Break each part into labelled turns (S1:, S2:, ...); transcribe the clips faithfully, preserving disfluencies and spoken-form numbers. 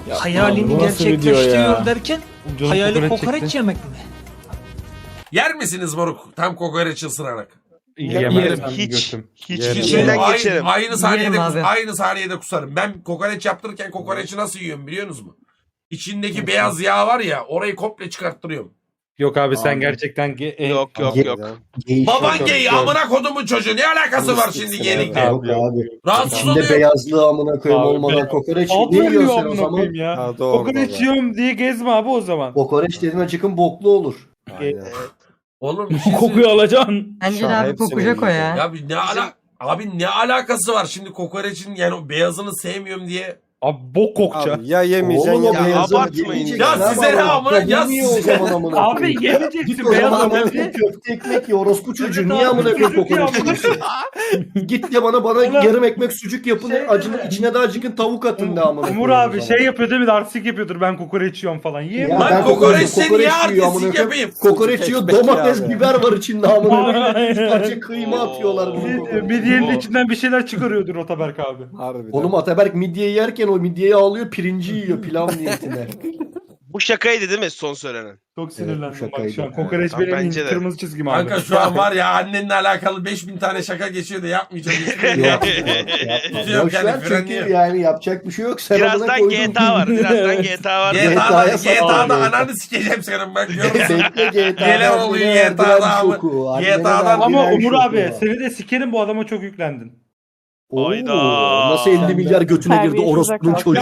S1: Ya,
S2: Hayalini
S1: bu nasıl video
S2: gerçekleştiriyor
S1: ya?
S2: derken
S1: Canım
S2: hayali
S1: kokoreç
S2: kokoreç
S1: çekti.
S2: yemek mi?
S3: Yer misiniz moruk? Tam kokoreç ısırarak.
S1: Yemezsem
S4: Hiç.
S1: götüm.
S4: Hiç.
S5: Yerim.
S4: İçinden
S3: Aynı,
S4: geçerim.
S3: aynı saniyede
S6: Yerim
S3: kus-
S6: abi.
S3: aynı saniyede kusarım. Ben kokoreç yaptırırken kokoreçi nasıl yiyorum biliyor musunuz? İçindeki beyaz yağ var ya, orayı komple çıkarttırıyorum.
S1: Yok abi sen
S5: Abi.
S1: gerçekten ge- e,
S4: Yok yok
S5: Ge-
S4: yok.
S3: Baban
S5: Çok
S3: gay,
S5: zor.
S3: amına kodumun çocuğu. Ne alakası var şimdi gelikle?
S5: Yok abi.
S3: Rahatsız
S5: İçinde
S3: oluyor.
S5: beyazlığı amına koyayım
S1: Abi,
S5: olmadan
S1: beyaz-
S5: kokoreç ne
S1: Altı yiyor
S5: yiyorsun sen o
S1: amına
S5: zaman?
S1: koyayım ya.
S5: Ha, doğru
S1: Kokoreç
S5: baba.
S1: yiyorum diye gezme abi o zaman.
S5: Kokoreç dediğin acıkın boklu olur.
S1: Aynen.
S3: Oğlum bir şey
S1: Kokuyu alacaksın.
S6: Bence
S5: Şu
S6: de
S5: an
S6: abi
S5: hepsini
S6: kokacak o ya.
S3: Ya bir ne ala abi ne alakası var şimdi kokoreçin, yani o beyazını sevmiyorum diye.
S1: Abi bok kokacak.
S5: Abi ya yemeyeceksin
S4: Oğlum
S5: ya
S4: o
S5: beyazını
S4: abartmayın.
S5: yemeyeceksin.
S3: Ya
S5: Ne
S3: size
S5: var
S3: ne
S5: amına
S3: amına- ya
S5: koyayım? Niye o
S3: size-
S5: zaman amına
S1: Abi
S5: koyayım?
S1: yemeyeceksin
S5: Git o
S1: beyaz
S5: zaman amına
S1: olmadı.
S5: koyayım köfte ekmek ye orospu çocuğu. Niye
S1: abi,
S5: amına koyayım
S1: sucuk
S5: kokoreç
S1: ya.
S5: yiyorsun? Git de bana bana
S1: Ulan-
S5: yarım ekmek sucuk yapın.
S1: Şey
S5: acının
S1: deme.
S5: içine de acıkın tavuk atın da amına
S1: Umur
S5: koyayım o
S1: abi
S5: zaman.
S1: şey yapıyor değil mi? Artistik yapıyordur ben kokoreç yiyorum falan. Yiyeyim
S5: Ya
S1: mi?
S3: Lan
S5: ben
S3: kokoreç
S5: kokoreç
S3: seni niye
S5: yiyor amına
S3: artistik
S5: koyayım.
S3: yapayım?
S5: Kokoreç yiyor,
S7: Ekmek
S5: domates,
S7: ya.
S5: biber var içinde amına koyayım.
S1: Aynen.
S5: Üç parça kıyma atıyorlar bunu
S1: Bir,
S5: kokoreç.
S1: bir diğerinin içinden bir şeyler çıkarıyordur Otaberk abi.
S7: Harbiden.
S5: Oğlum Ataberk midye yerken o midyeyi alıyor, pirinci yiyor pilav niyetine.
S4: Bu şakaydı değil mi son söylenen?
S1: Çok sinirlendim bak
S5: şakaydı.
S1: şu an. Kokoreç
S4: Tamam,
S1: benim
S4: bence de.
S1: kırmızı çizgim abi.
S3: Kanka şu an var ya annenle alakalı beş bin tane şaka geçiyor da yapmayacağım. Hiçbirini
S5: Yok,
S3: yapmayacağım.
S5: yok,
S3: Yok
S5: Boş
S3: yani,
S5: ver çünkü
S3: frenliyor.
S5: yani yapacak bir şey yok. Sen amına
S4: Birazdan
S5: koydun.
S4: G T A var. Birazdan G T A var.
S3: G T A'da,
S5: G T A'ya
S3: G T A'da
S5: sal-
S3: ananı sikeceğim senin bak görüyor musun?
S5: Bekle G T A'dan.
S3: Neler oluyor G T A'da abi? G T A'dan
S1: Ama Umur abi seni de sikerim bu adama çok yüklendin.
S4: Hayda.
S5: Nasıl elli milyar götüne girdi orospunun çocuğu.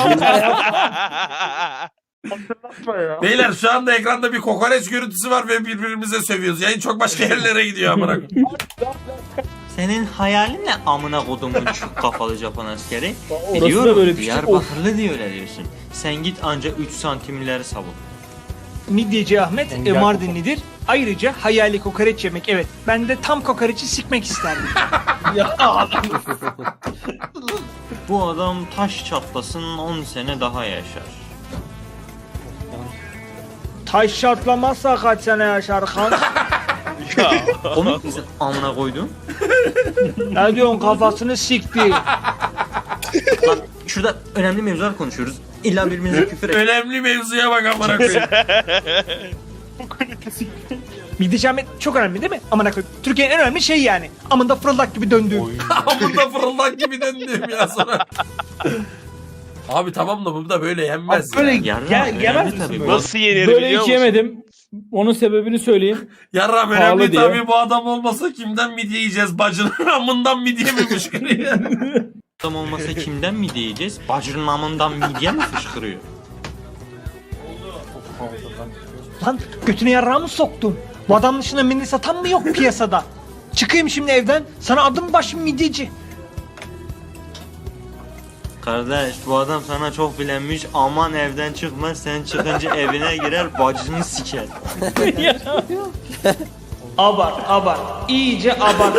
S1: Hatırlatma ya.
S3: Beyler şu anda ekranda bir kokoreç görüntüsü var ve birbirimize sövüyoruz. Yayın çok başka yerlere gidiyor amına koyayım.
S8: Senin hayalin ne amına kodumun çuk kafalı Japon askeri?
S1: Orası da
S8: Biliyorum
S1: böyle bir şey. Of.
S8: Diyarbakırlı diye öyle diyorsun. Sen git anca üç santimleri savun.
S2: Midyeci Ahmet
S1: Engel
S2: e, Mardinlidir. Ayrıca hayali kokoreç yemek. Evet ben de tam kokoreçi sikmek isterdim.
S8: Bu adam taş çatlasın on sene daha yaşar.
S2: Taş şartlamazsa kaç sene yaşar kan?
S8: Komik misin amına koydun?
S2: Ne diyorsun kafasını sikti.
S8: Lan şurada önemli mevzular konuşuyoruz. İlla birbirimize küfür et.
S3: Önemli mevzuya bak amına koyayım.
S2: Midyeci Ahmet çok önemli değil mi? Amına koyayım. Türkiye'nin en önemli şeyi yani. Amında fırıldak gibi döndüğüm.
S3: Amında fırıldak gibi döndüm ya sana. Abi tamam da bu da böyle yenmez
S1: Böyle
S3: ya.
S8: Yarra,
S1: Gel-
S8: önemli
S1: yemez
S8: tabii
S1: misin
S8: bu.
S1: böyle?
S4: Nasıl yenir
S1: Böyle
S4: biliyor
S1: hiç
S4: musun?
S1: yemedim. Onun sebebini söyleyeyim.
S3: Yarram
S1: Pahalı
S3: önemli
S1: diye.
S3: tabii, bu adam olmasa kimden midye yiyeceğiz? Bacının amından midye mi fışkırıyor?
S8: Adam olmasa kimden mi diyeceğiz? Bacının amından midye mi fışkırıyor?
S2: Lan götüne yarrağı mı soktum? Bu adamın dışında midye satan mı yok piyasada? Çıkayım şimdi evden. Sana adım başım midyeci.
S8: Kardeş bu adam sana çok bilenmiş, aman evden çıkma, sen çıkınca evine girer bacını siker.
S2: Abart abart. İyice abart.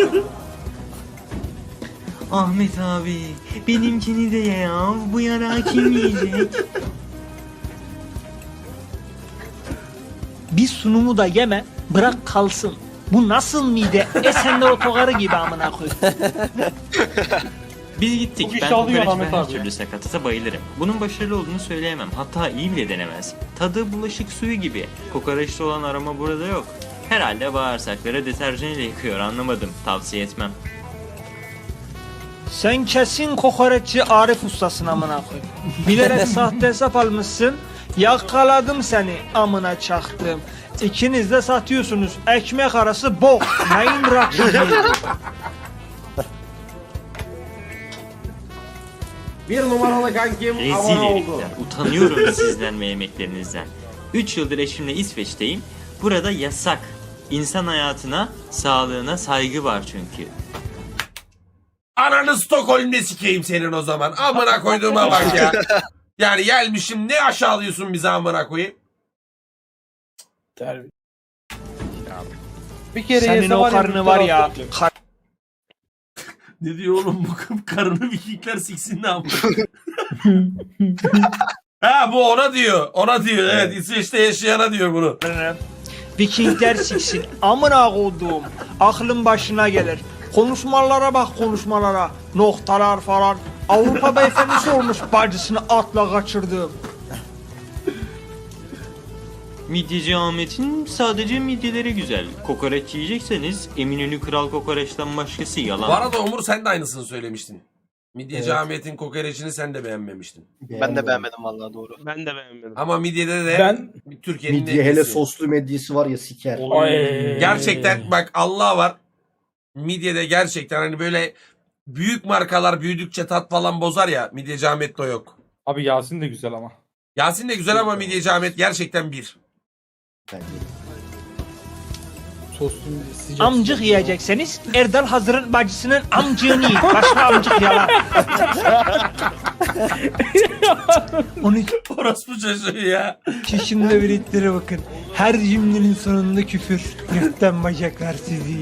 S8: Ahmet abi benimkini de ye ya, bu yarağı kim yiyecek?
S2: Bir sunumu da yeme. Bırak kalsın. Bu nasıl mide? Esenler otogarı gibi amına koy.
S8: Biz gittik,
S1: Çok iş
S8: ben
S1: alıyor
S8: kokoreç
S1: Ahmet
S8: ve her
S1: abi.
S8: türlü sakatata bayılırım. Bunun başarılı olduğunu söyleyemem, hatta iyi bile denemez. Tadı bulaşık suyu gibi, kokoreçte olan aroma burada yok. Herhalde bağırsakları deterjan ile yıkıyor, anlamadım, tavsiye etmem.
S2: Sen kesin kokoreççi Arif ustasın amına koy. Bilerek sahte hesap almışsın. Yakaladım seni amına çaktım. İkiniz de satıyorsunuz. Ekmek arası bok. Neyin rakibi?
S7: Bir numaralı kankim abone
S8: Rezil
S7: oldu.
S8: herifler, utanıyorum sizden ve yemeklerinizden. üç yıldır eşimle İsveç'teyim. Burada yasak. İnsan hayatına, sağlığına saygı var çünkü.
S3: Ananı Stockholm'de sikeyim senin o zaman. Amına koyduğuma bak ya. Yani gelmişim ne aşağılıyorsun bizi amına koyayım.
S1: Bir kere
S2: Senin
S1: yese
S2: o
S1: ya,
S2: karnı
S1: bir
S2: var
S1: taraf
S2: ya.
S1: olacak.
S2: Kar-
S3: Ne diyor oğlum bu karını Vikingler siksin ne amına. Ha bu ona diyor. Ona diyor. Evet, İsveç'te yaşayana diyor bunu.
S2: Vikingler siksin. Amına koduğum. Aklın başına gelir. Konuşmalara bak konuşmalara. Noktalar falan. Avrupa beyefendisi olmuş bacısını atla kaçırdım.
S8: Midyeci Ahmet'in sadece midyeleri güzel. Kokoreç yiyecekseniz Eminönü Kral Kokoreç'ten başkası yalan.
S3: Bu arada Umur sen de aynısını söylemiştin. Midyeci
S5: Evet.
S3: Ahmet'in kokoreçini sen de beğenmemiştin.
S6: Ben de beğenmedim vallahi doğru.
S4: Ben de beğenmedim.
S3: Ama midyede de
S1: Ben
S3: Türkiye'nin
S5: Midye hele
S3: nefesi.
S5: soslu medyesi var ya siker.
S1: Ay.
S3: Gerçekten bak Allah var. Midyede gerçekten hani böyle büyük markalar büyüdükçe tat falan bozar ya. Midyeci Ahmet'te o yok.
S1: Abi Yasin de güzel ama.
S3: Yasin de güzel ama Midyeci Ahmet gerçekten bir.
S5: Bence.
S1: Soslu sıcak.
S2: Amcık yiyecekseniz Erdal Hazır'ın bacısının amcığını yiyin. Başka amcık yalan. Onu
S3: Orospu çocuğu ya.
S2: kişinin üretlere bakın. Her cümlenin sonunda küfür. Gökten bacaklar sizi.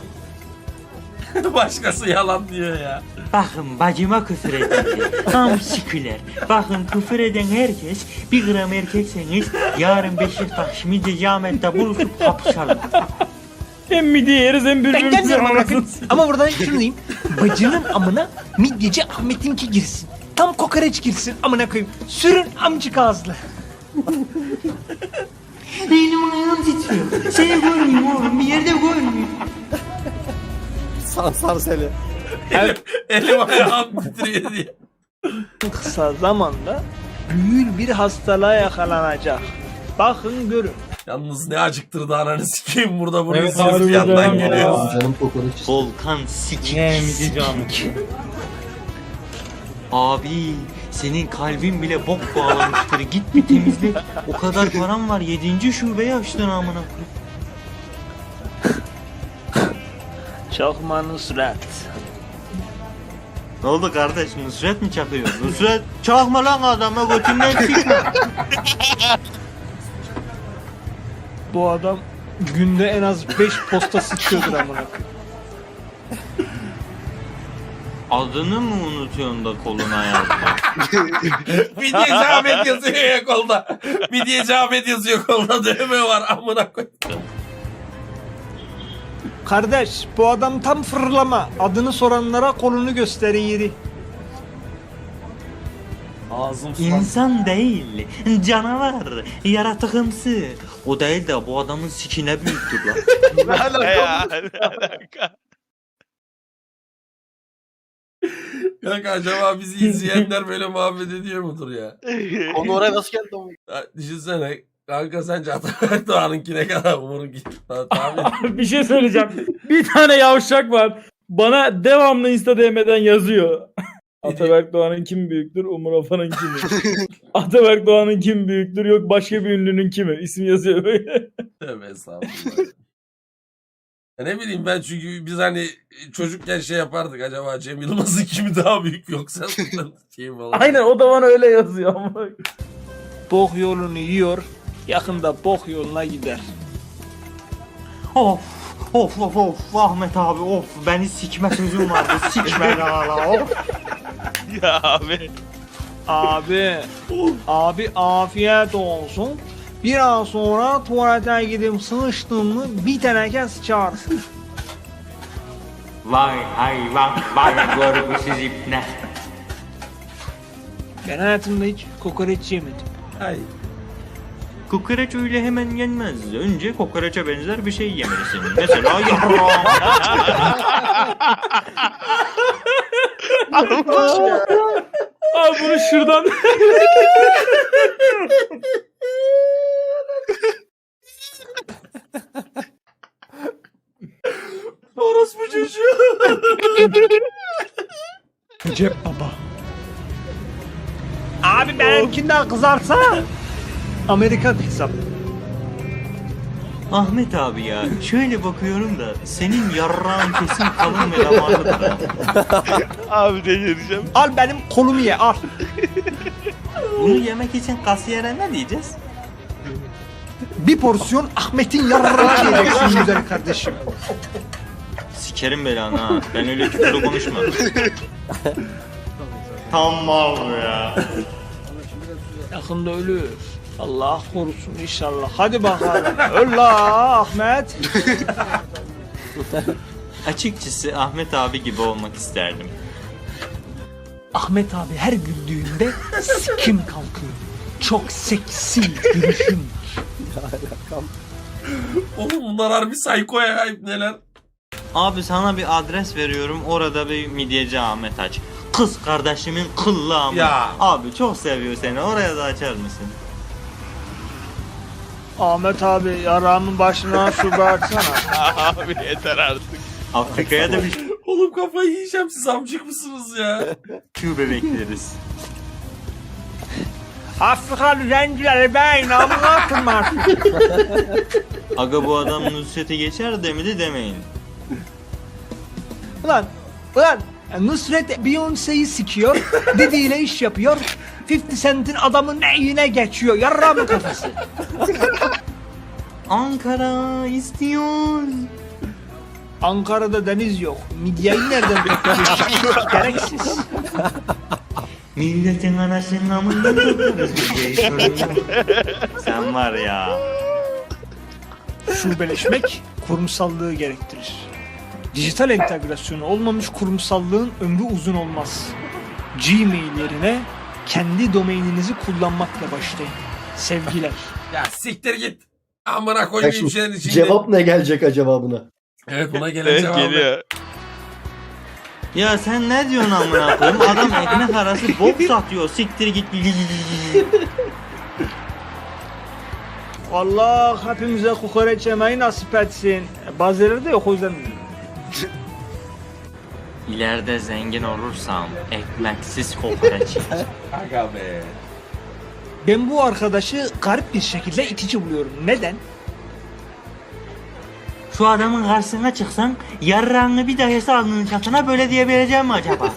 S3: Başkası yalan diyor ya.
S8: Bakın bacıma küfür eden tam siküler. Bakın küfür eden herkes bir gram erkekseniz yarın Beşiktaş Midyeci Ahmet'te buluşup kapışalım.
S1: Hem midye yeriz hem
S2: Ben
S1: birbirimizi
S2: gelmiyorum amına koyayım.
S1: anasını.
S2: Ama buradan şunu diyeyim. Bacının amına midyeci Ahmet'inki girsin. Tam kokoreç girsin amına koyayım. Sürün amcık ağızlı.
S8: Benim ayağım titriyor. Seni görmeyeyim oğlum bir yerde görmeyeyim.
S6: Sansar seni.
S3: Elim, elim ayağım titriyor diye.
S2: Kısa zamanda büyük bir hastalığa yakalanacak. Bakın görün.
S3: Yalnız ne acıktırdı ananı sikeyim burada bunu
S1: Evet,
S3: izliyoruz bir
S1: harbiden
S3: yandan
S1: ya.
S3: geliyor.
S5: Canım kokoreç.
S8: Volkan sikik.
S1: Ne midyeci Ahmet.
S8: Abi senin kalbin bile bok bağlamıştır. Git bir temizle. O kadar param var. Yedinci şubeyi açtın amına koyayım.
S2: Çakma Nusret.
S8: Ne oldu kardeş? Nusret mi çakıyor? Nusret çakma lan adama götünden çıkma.
S2: Bu adam günde en az beş posta sıçıyordur amına koyayım.
S8: Adını mı unutuyorsun da koluna yazdın?
S3: Midyeci Ahmet yazıyor ya kolda. Midyeci Ahmet yazıyor kolda dövme var amına koy.
S2: Kardeş bu adam tam fırlama. Adını soranlara kolunu gösteriyor.
S5: Ağzım
S8: İnsan değil, canavar, yaratıkımsı. O değil de bu adamın sikine büyüktür lan.
S4: Ne ya? Ne alaka?
S3: Kanka acaba bizi izleyenler böyle muhabbet ediyor mudur ya?
S6: Konu oraya nasıl geldi ama?
S3: Ya düşünsene. Kanka sence Atabek Doğan'ınki ne kadar umurun tahmin.
S1: Bir şey söyleyeceğim. Bir tane yavşak var. Bana devamlı Insta D M'den yazıyor. Ataberk Doğan'ın kim büyüktür? Umur Afan'ın kimi? Ataberk Doğan'ın kim büyüktür? Yok başka bir ünlünün kimi? İsim yazıyor böyle.
S3: Tövbe estağfurullah. Ya ne bileyim ben çünkü biz hani çocukken şey yapardık acaba Cem Yılmaz'ın kimi daha büyük yoksa kim olur?
S1: Aynen o da bana öyle yazıyor ama.
S2: Bok yolunu yiyor. Yakında bok yoluna gider.
S8: Of, of, of, of, Ahmet abi of, beni sikme sözüm vardı, sikme hala of.
S4: Ya abi.
S2: Abi, abi afiyet olsun. Biraz sonra tuvalete gidip sıçtın mı bir teneke sıçarsın.
S8: Vay hayvan, vay görgüsüz ipne.
S2: Ben hayatımda hiç kokoreç yemedim.
S3: Ay.
S8: Kokoreç öyle hemen yenmez. Önce kokoreçe benzer bir şey yemelisin. Mesela yarrağım.
S1: Abi bunu şuradan...
S3: Orospu çocuğu.
S2: Cep baba. Abi benimkinden kızarsa Amerikan hesap.
S8: Ahmet abi ya, şöyle bakıyorum da senin yarrağın kesin kalın ve damarlıdır ha.
S4: Abi delireceğim.
S2: Al benim kolumu ye al.
S8: Bunu yemek için kasiyere ne diyeceğiz?
S2: Bir porsiyon Ahmet'in yarrağını yiyeceksin güzel kardeşim.
S8: Sikerim belanı ha. Ben öyle küfürlü konuşma. Tam mal bu ya.
S2: Yakında ölür. Allah korusun inşallah. Hadi bakalım. Öl la Ahmet.
S8: Açıkçası Ahmet abi gibi olmak isterdim.
S2: Ahmet abi her güldüğünde sikim kalkıyor. Çok seksi gülüşüm.
S3: Oğlum bunlar harbi psycho ya neler.
S8: Abi sana bir adres veriyorum, orada bir midyeci Ahmet aç. Kız kardeşimin kıllı amı.
S3: Ya.
S8: Abi çok seviyor seni, oraya da açar mısın?
S2: Ahmet abi yaramın başına su bıraksana.
S4: Abi yeter artık.
S8: Afrika'ya da bir
S3: Oğlum kafayı yiyeceğim, siz amcık mısınız ya?
S8: şube bekleriz.
S2: Afrikalı zencileri ben namına kırmaz.
S8: Aga bu adam Nusret'e geçer demedi demeyin.
S2: Ulan, ulan Nusret Beyoncé'yi sikiyor, Didi ile iş yapıyor. fifty Cent'in adamın neyine geçiyor, yarramın kafası.
S8: Ankara istiyor.
S2: Ankara'da deniz yok, midyayı nereden bekliyorsun? Gereksiz.
S8: Milletin anasının amından tutuyoruz biz sorun yok. Sen var ya.
S2: Şubeleşmek kurumsallığı gerektirir. Dijital entegrasyonu olmamış kurumsallığın ömrü uzun olmaz. Gmail yerine kendi domaininizi kullanmakla başlayın. Sevgiler.
S3: Ya siktir git. Amına
S5: Bak
S3: koyayım
S5: şimdi,
S3: şeyin içinde.
S5: cevap ne gelecek acaba buna?
S3: Evet buna gelen
S4: Evet
S3: cevabı.
S4: geliyor.
S8: Ya sen ne diyorsun amına koyayım? Adam ekmek arası bok satıyor. Siktir git.
S2: Allah hepimize kokoreç yemeyi nasip etsin. Bazıları da yok o yüzden.
S8: İleride zengin olursam ekmeksiz kokoreç yiyeceğim.
S3: Aga be.
S2: Ben bu arkadaşı garip bir şekilde itici buluyorum. Neden?
S8: Şu adamın karşısına çıksam yarrağını bir dahesi alnının çatına böyle diyebileceğim mi acaba?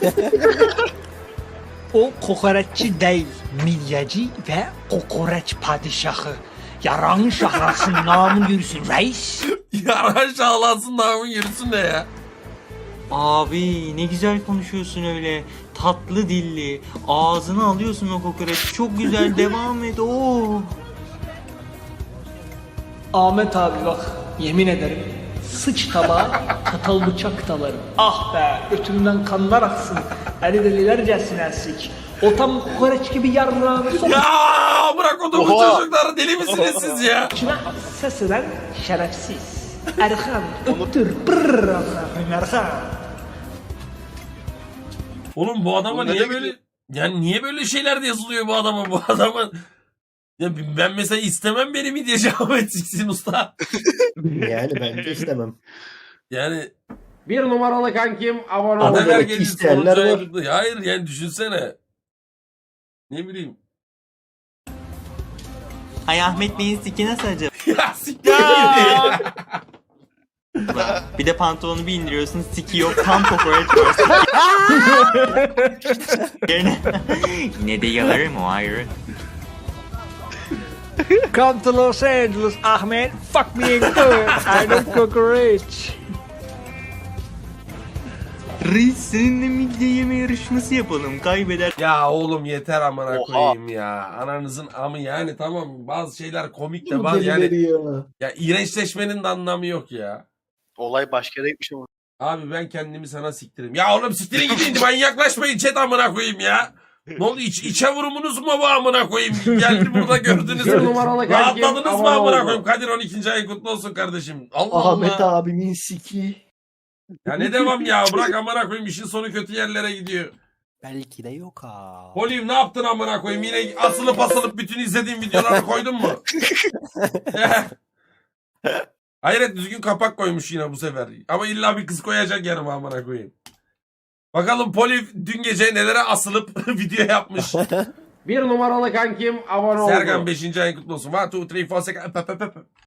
S2: O kokoreççi değil, milyacı ve kokoreç padişahı. Yaran şahlasın namın yürüsün reis.
S3: Yaran şahlansın namın yürüsün ne ya?
S8: Abi ne güzel konuşuyorsun öyle. Tatlı dilli. Ağzına alıyorsun o kokoreç. Çok güzel, devam et. Oo.
S2: Ahmet abi bak yemin ederim sıç tabağa çatal bıçak dalarım. Ah be götümden kanlar aksın. Eli delilercesine sik. O tam kokoreç gibi yarrağını sok.
S3: Ya bırak o bu
S6: Oha.
S3: çocuklar, deli misiniz siz ya?
S2: İçine ses eden şerefsiz. Erkan öptür brrrr Erkan.
S3: Oğlum bu adama
S6: Oğlum
S3: niye
S6: nereye
S3: böyle
S6: gidiyor?
S3: yani niye böyle şeyler de yazılıyor bu adama, bu adama? Ya ben mesela istemem beni mi diye Ahmet Siksin Usta.
S5: Yani ben de istemem.
S3: Yani
S7: Bir numaralı kankim abone
S5: Ama
S7: oldu.
S3: Adaver
S5: demek ki
S3: gelirse
S5: isteyenler
S3: olacağı
S5: var.
S3: yapıldı. Hayır yani düşünsene. Ne bileyim.
S8: Ay Ahmet Bey'in siki nasıl acaba?
S3: Ya siktir git.
S8: Bir de pantolonu bir indiriyorsun, siki yok, tam kokoreç var. Yerine- Yine de yalarım o ayrı.
S2: Come to Los Angeles Ahmet. Fuck me in good. I know cockroach.
S8: Reis seninle midye yeme yarışması yapalım, kaybeder.
S3: Ya oğlum yeter amına
S6: Oha.
S3: koyayım ya. Ananızın amı yani, tamam bazı şeyler komik de
S5: Bu
S3: bazı yani
S5: delileri ya.
S3: ya iğrençleşmenin de anlamı yok ya.
S6: Olay başka yere gitmiş ama.
S3: Abi ben kendimi sana siktirim. Ya oğlum siktirin gidin, manyaklaşmayın chat amına koyayım ya. Ne oldu, iç, içe vurumunuz mu bu amına koyayım? Geldi burada gördünüz
S7: Bir
S3: mü?
S7: numaralı kankim
S3: Rahatladınız mı
S7: abone
S3: amına
S7: oldu.
S3: koyayım? Kadir on ikinci ayın kutlu olsun kardeşim. Allah
S5: Ahmet
S3: Allah.
S5: abimin siki.
S3: Ya ne devam ya, bırak amına koyayım, işin sonu kötü yerlere gidiyor.
S9: Belki de yok ha.
S3: Olive ne yaptın amına koyayım? Yine asılıp asılıp bütün izlediğim videoları koydun mu? Hayret, düzgün kapak koymuş yine bu sefer. Ama illa bir kız koyacak yanıma amına koyayım. Bakalım Poliv dün gece nelere asılıp video yapmış.
S7: Bir numaralı kankim abone oldu.
S3: Serkan beşinci ayın kutlu olsun. one, two, three, four, six.